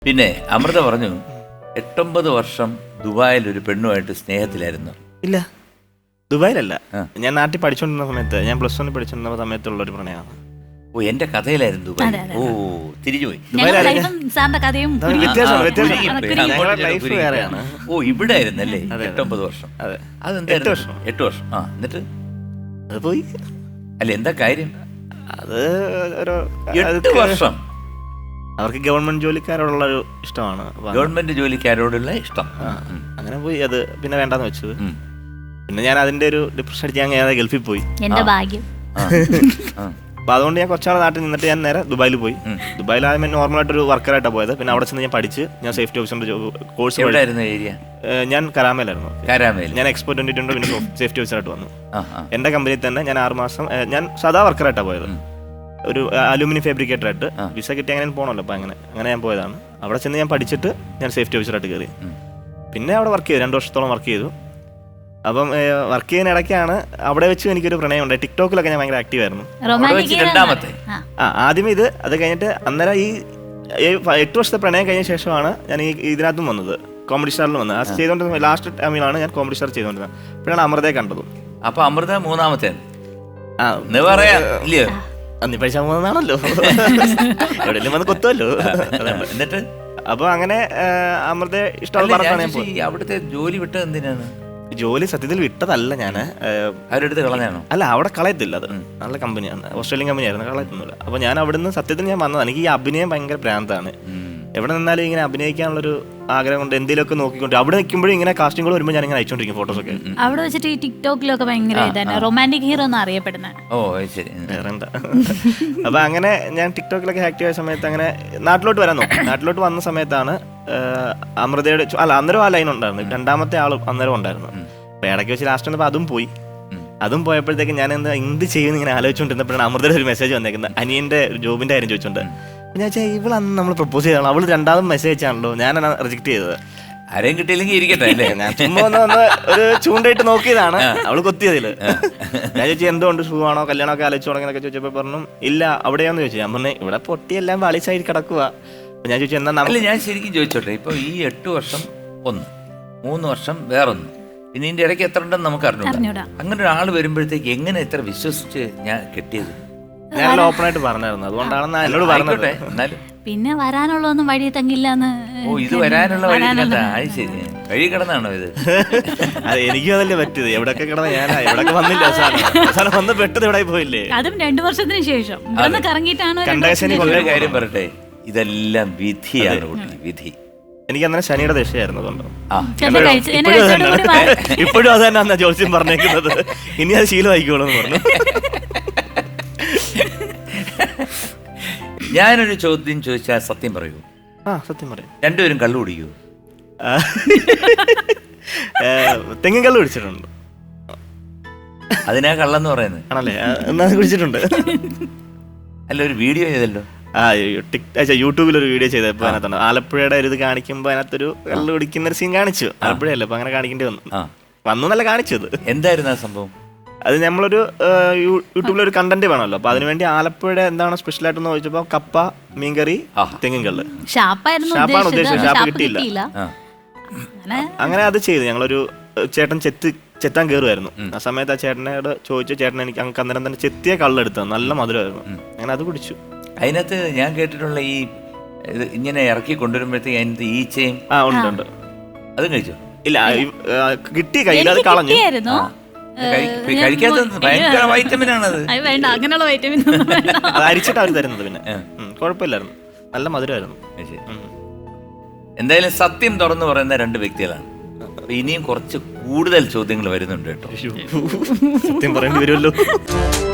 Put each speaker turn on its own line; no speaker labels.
പിന്നെ അമൃത പറഞ്ഞു 8-9 വർഷം ദുബായിൽ ഒരു പെണ്ണുമായിട്ട് സ്നേഹത്തിലായിരുന്നു.
ഇല്ല, ദുബായിലല്ല. ഞാൻ നാട്ടിൽ പഠിച്ചുകൊണ്ടിരുന്ന സമയത്ത്, ഞാൻ +1 പഠിച്ചുകൊണ്ടിരുന്ന സമയത്തുള്ള ഒരു പ്രണയമാണ്.
ഓ, എന്റെ കഥയിലായിരുന്നു ദുബായ്. ഓ, തിരിഞ്ഞുപോയി.
ലൈഫ് വേറെയാണ്.
ഓ, ഇവിടെ ആയിരുന്നല്ലേ 8-9 വർഷം. അതെന്തായിരുന്നു? 8 വർഷം. ആ, എന്നിട്ട്
അത് പോയി.
അല്ല, എന്താ കാര്യം?
അത് ഒരു
8 വർഷം
അവർക്ക് ഗവൺമെന്റ് ജോലിക്കാരോടുള്ള ഒരു ഇഷ്ടമാണ്.
ഗവൺമെന്റ് ജോലിക്കാരോടുള്ള ഇഷ്ടം.
അങ്ങനെ പോയി. അത് പിന്നെ വേണ്ടാന്ന് വെച്ചത്. പിന്നെ ഞാൻ അതിന്റെ ഒരു ഡിപ്രഷൻ അടിച്ച് ഞാൻ ഗൾഫിൽ പോയി.
എന്റെ ഭാഗ്യം.
അപ്പൊ അതുകൊണ്ട് ഞാൻ കുറച്ചാൾ നാട്ടിൽ നിന്നിട്ട് ഞാൻ നേരെ ദുബായിൽ പോയി. ദുബായിൽ ആദ്യം നോർമലായിട്ടൊരു വർക്കറായിട്ടാണ് പോയത്. പിന്നെ അവിടെ ചെന്ന് ഞാൻ പഠിച്ച് ഞാൻ സേഫ്റ്റി ഓഫീസറിന്റെ കോഴ്സ്.
എവിടെയായിരുന്നു ഏരിയ?
ഞാൻ കരാമയിലായിരുന്നു.
കരാമയിൽ.
ഞാൻ എക്സ്പോ 2020 പിന്നെ സേഫ്റ്റി ഓഫീസറായിട്ട് വന്നു. എന്റെ കമ്പനിയിൽ തന്നെ ഞാൻ 6 മാസം ഞാൻ സാധാ വർക്കറായിട്ടാണ് പോയത്. ഒരു അലൂമിനിയം ഫാബ്രിക്കേറ്റർ ആയിട്ട്. വിസ കിട്ടി അങ്ങനെ പോകണമല്ലോ. അപ്പൊ അങ്ങനെ ഞാൻ പോയതാണ്. അവിടെ ചെന്ന് ഞാൻ പഠിച്ചിട്ട് ഞാൻ സേഫ്റ്റി ഓഫീസറായിട്ട് കയറി. പിന്നെ അവിടെ വർക്ക് ചെയ്തു, 2 വർഷത്തോളം വർക്ക് ചെയ്തു. അപ്പം വർക്ക് ചെയ്യുന്ന ഇടയ്ക്കാണ് അവിടെ വെച്ച് എനിക്കൊരു പ്രണയം ഉണ്ടായി. ടിക്ടോക്കിലൊക്കെ ഞാൻ ഭയങ്കര ആക്റ്റീവ് ആയിരുന്നു. ആദ്യം അത് കഴിഞ്ഞിട്ട് അന്നേരം ഈ 8 വർഷത്തെ പ്രണയം കഴിഞ്ഞ ശേഷമാണ് ഞാൻ ഈ ഇതിനകത്തും വന്നത്, കോമഡി സ്റ്റാറിലും വന്നത്. അത് ചെയ്തുകൊണ്ടിരുന്ന ലാസ്റ്റ് ടൈമിലാണ് ഞാൻ കോമഡി സ്റ്റാർ ചെയ്തുകൊണ്ടിരുന്നത്. അപ്പോഴാണ് അമൃതയെ കണ്ടതും.
അപ്പൊ അമൃത 3ാമത്തെ
പൈസ 3ആണല്ലോ, എവിടെയെങ്കിലും വന്ന് കൊത്തുമല്ലോ.
എന്നിട്ട്
അപ്പൊ അങ്ങനെ അമൃതയെ ഇഷ്ടമാണ്.
അവിടുത്തെ ജോലി വിട്ടത് എന്തിനാണ്?
ജോലി സത്യത്തിൽ വിട്ടതല്ല, ഞാൻ
അവരെടുത്ത് കളഞ്ഞാണോ?
അല്ല, അവിടെ കളയത്തില്ല. അത് നല്ല കമ്പനിയാണ്, ഓസ്ട്രേലിയൻ കമ്പനിയായിരുന്നു, കളയത്തൊന്നുമില്ല. അപ്പൊ ഞാൻ അവിടുന്ന് സത്യത്തിൽ ഞാൻ വന്നതാണ്. എനിക്ക് ഈ അഭിനയം ഭയങ്കര ഭ്രാന്താണ്. എവിടെ നിന്നാലും ഇങ്ങനെ അഭിനയിക്കാനുള്ളൊരു ആഗ്രഹം കൊണ്ട് എന്തെങ്കിലുമൊക്കെ നോക്കിക്കൊണ്ട് അവിടെ നിൽക്കുമ്പോഴും ഇങ്ങനെ കാസ്റ്റിംഗുകൾ വരുമ്പോൾ ഞാൻ ഇങ്ങനെ അയച്ചോണ്ടിരിക്കും ഫോട്ടോസൊക്കെ.
അവിടെ വെച്ചിട്ട് ഈ ടിക്ടോക്കിലൊക്കെ ഭയങ്കര റൊമാൻറ്റിക് ഹീറോ എന്ന് അറിയപ്പെടുന്നത്.
ഓ, ശരി.
വേറെന്താ. അപ്പൊ അങ്ങനെ ഞാൻ ടിക്ടോക്കിലൊക്കെ ആക്റ്റീവ് ആയ സമയത്ത് അങ്ങനെ നാട്ടിലോട്ട് വരാൻ നോക്കും. നാട്ടിലോട്ട് വന്ന സമയത്താണ് അമൃതയുടെ അന്നേരം ആ ലൈൻ ഉണ്ടായിരുന്നു. 2ാമത്തെ ആളും അന്നേരം ഉണ്ടായിരുന്നു. അപ്പൊ ഇടയ്ക്ക് വെച്ച് ലാസ്റ്റ് വന്നപ്പോൾ അതും പോയപ്പോഴത്തേക്ക് ഞാൻ എന്ത് ചെയ്യുമെന്ന് ഇങ്ങനെ ആലോചിച്ചുകൊണ്ടിരുന്നപ്പോഴാണ് അമൃതയുടെ ഒരു മെസ്സേജ് വന്നേക്കുന്നത്, അനിയന്റെ ജോബിന്റെ കാര്യം ചോദിച്ചോണ്ട്. ഞാൻ വെച്ചാൽ ഇവളന്ന് നമ്മൾ പ്രപ്പോസ് ചെയ്താണ്, അവള് 2ാമത് മെസ്സേജ് അയച്ചാണല്ലോ, ഞാനാണ് റിജക്ട് ചെയ്തത്.
ആരെയും കിട്ടിയില്ലെങ്കിൽ ഇരിക്കട്ടെ അല്ലേ.
ഞാൻ ചുമ്മാ ഒന്ന് ഒരു ചൂണ്ടായിട്ട് നോക്കിയതാണ്, അവള് കൊത്തിയതില്. ഞാൻ ചോദിച്ചു എന്തുകൊണ്ട്, സുഖമാണോ, കല്യാണമൊക്കെ ആലോചിച്ചു തുടങ്ങിയൊക്കെ ചോദിച്ചപ്പോൾ പറഞ്ഞു ഇല്ല അവിടെയാന്ന് ചോദിച്ചു. ഞാൻ പറഞ്ഞു ഇവിടെ പൊട്ടിയെല്ലാം പാളിച്ചായി കിടക്കുക. ഞാൻ ചോദിച്ചു എന്താ.
ഞാൻ ശരിക്കും ചോദിച്ചോട്ടെ, ഇപ്പൊ ഈ 8 വർഷം ഒന്ന്, 3 വർഷം വേറൊന്ന്, പിന്നെ ഇതിന്റെ ഇടയ്ക്ക് എത്ര ഉണ്ടെന്ന് നമുക്ക് അറിഞ്ഞൂടാ. അങ്ങനെ ഒരാൾ വരുമ്പോഴത്തേക്ക് എങ്ങനെ ഇത്ര വിശ്വസിച്ച് ഞാൻ കെട്ടിയത്?
ഞാൻ ഓപ്പൺ ആയിട്ട് പറഞ്ഞായിരുന്നു, അതുകൊണ്ടാണ് എന്നോട് പറഞ്ഞത്.
എന്നാലും
പിന്നെ വരാനുള്ളതൊന്നും വഴി തങ്ങില്ലാന്ന്.
ഓ, ഇത് വരാനുള്ള വഴി ശരി, വഴി കിടന്നാണോ ഇത്?
അതെ, എനിക്കും അതല്ലേ പറ്റിയത്. എവിടെയൊക്കെ കിടന്ന ഞാനാ, എവിടെയൊക്കെ വന്നില്ല. അവസാനം വന്ന് പെട്ടത് ഇവിടെ പോയില്ലേ.
അതും 2 വർഷത്തിന് ശേഷം കറങ്ങിയിട്ടാണ്.
ഒരു കാര്യം പറയട്ടെ, ഇതെല്ലാം വിധിയാണ് കുട്ടി, വിധി.
എനിക്ക് അന്നേരം ശനിയുടെ ദശയായിരുന്നു. അതുകൊണ്ട് ഇപ്പോഴും അത് തന്നെ ജോത്സ്യം പറഞ്ഞേക്കുന്നത്. ഇനി അത് ശീലമായിക്കോളൂ എന്ന് പറഞ്ഞു.
ഞാനൊരു ചോദ്യം ചോദിച്ചാൽ സത്യം പറയൂ?
സത്യം പറയും.
രണ്ടുപേരും കള്ളു കുടിക്കൂ?
തെങ്ങിൻ കള്ളു കുടിച്ചിട്ടുണ്ട്.
അതിനാ കള്ളെന്ന് പറയുന്നത്
ആണല്ലേ? എന്നാ കുടിച്ചിട്ടുണ്ട്.
അല്ല, ഒരു വീഡിയോ ചെയ്തല്ലോ.
യൂട്യൂബിൽ ഒരു വീഡിയോ ചെയ്തപ്പോൾ അതിനകത്താണ് ആലപ്പുഴയുടെ ഒരു ഇത് കാണിക്കുമ്പോൾ അതിനകത്തൊരു കള്ളു കുടിക്കുന്ന ഒരു സീൻ കാണിച്ചു. ആലപ്പുഴയല്ലേ, അപ്പൊ അങ്ങനെ കാണിക്കേണ്ടി വന്നു എന്നല്ല കാണിച്ചത്.
എന്തായിരുന്നു ആ സംഭവം?
അത് നമ്മളൊരു യൂട്യൂബിലൊരു കണ്ടന്റ് വേണമല്ലോ. അപ്പൊ അതിനുവേണ്ടി ആലപ്പുഴയുടെ എന്താണ് സ്പെഷ്യൽ ആയിട്ടെന്ന് ചോദിച്ചപ്പോ കപ്പ, മീൻകറി, തെങ്ങിൻ കള്ള്. ഷാപ്പാണ് ഉദ്ദേശിച്ചത്, ഷാപ്പ് കിട്ടിയില്ല. അങ്ങനെ അത് ചെയ്തു. ഞങ്ങളൊരു ചേട്ടൻ ചെത്താൻ കയറുമായിരുന്നു. ആ സമയത്ത് ആ ചേട്ടനോട് ചോദിച്ചു, ചേട്ടൻ എനിക്ക് അന്നേരം തന്നെ ചെത്തിയ കള്ളെടുത്തത്, നല്ല മധുരമായിരുന്നു. അങ്ങനെ അത് കുടിച്ചു.
അതിനകത്ത് ഞാൻ കേട്ടിട്ടുള്ള ഈ ഇങ്ങനെ ഇറക്കി കൊണ്ടുവരുമ്പോഴത്തേക്ക് അതിനകത്ത് ഈച്ചയും
ഉണ്ട്.
അതും കഴിച്ചു?
ഇല്ല, കിട്ടി, കയ്യിൽ അത് കളഞ്ഞു.
കഴിക്കാത്തത് ഭയങ്കര വൈറ്റമിനാണത്.
അങ്ങനെയുള്ള വൈറ്റമിൻ
അത് അരിച്ചിട്ട് അവർ തരുന്നത്. പിന്നെ കുഴപ്പമില്ലായിരുന്നു, നല്ല മധുരമായിരുന്നു.
എന്തായാലും സത്യം തുറന്നു പറയുന്ന 2 വ്യക്തികളാണ്. ഇനിയും കുറച്ച് കൂടുതൽ ചോദ്യങ്ങൾ വരുന്നുണ്ട് കേട്ടോ.
സത്യം പറയേണ്ടി വരുമല്ലോ.